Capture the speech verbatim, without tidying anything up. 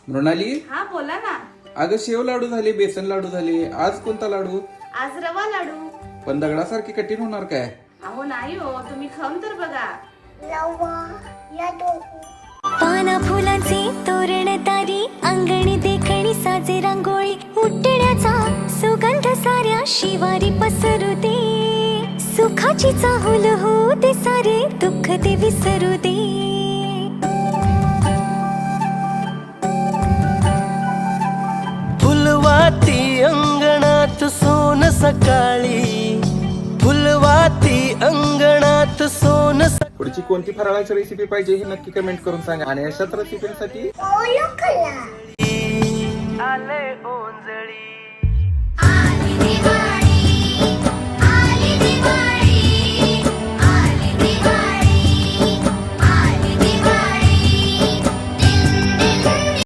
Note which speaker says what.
Speaker 1: मृणाली,
Speaker 2: हा बोला ना.
Speaker 1: अगं शेव लाडू झाले, बेसन लाडू झाले, आज कोणता लाडू?
Speaker 2: आज रवा लाडू.
Speaker 1: पण दगडासारखी कठीण होणार काय?
Speaker 2: अहो नाही हो, तुम्ही खाऊन तर बघा.
Speaker 3: पाना फुलांचे तोरण तारी अंगणी देखणी साजे रांगोळी उठण्याचा सुगंध साऱ्या शिवारी पसरू दे सुखाची चाहुल हो दे सारे दुःख ते विसरू दे.
Speaker 4: फुलवाती अंगणात सोन सकाळी फुलवाती अंगणात सोन
Speaker 1: पुढची कोणती फराळाची रेसिपी पाहिजे हे नक्की कमेंट करून सांगा आणि अशाच रेसिपीसाठी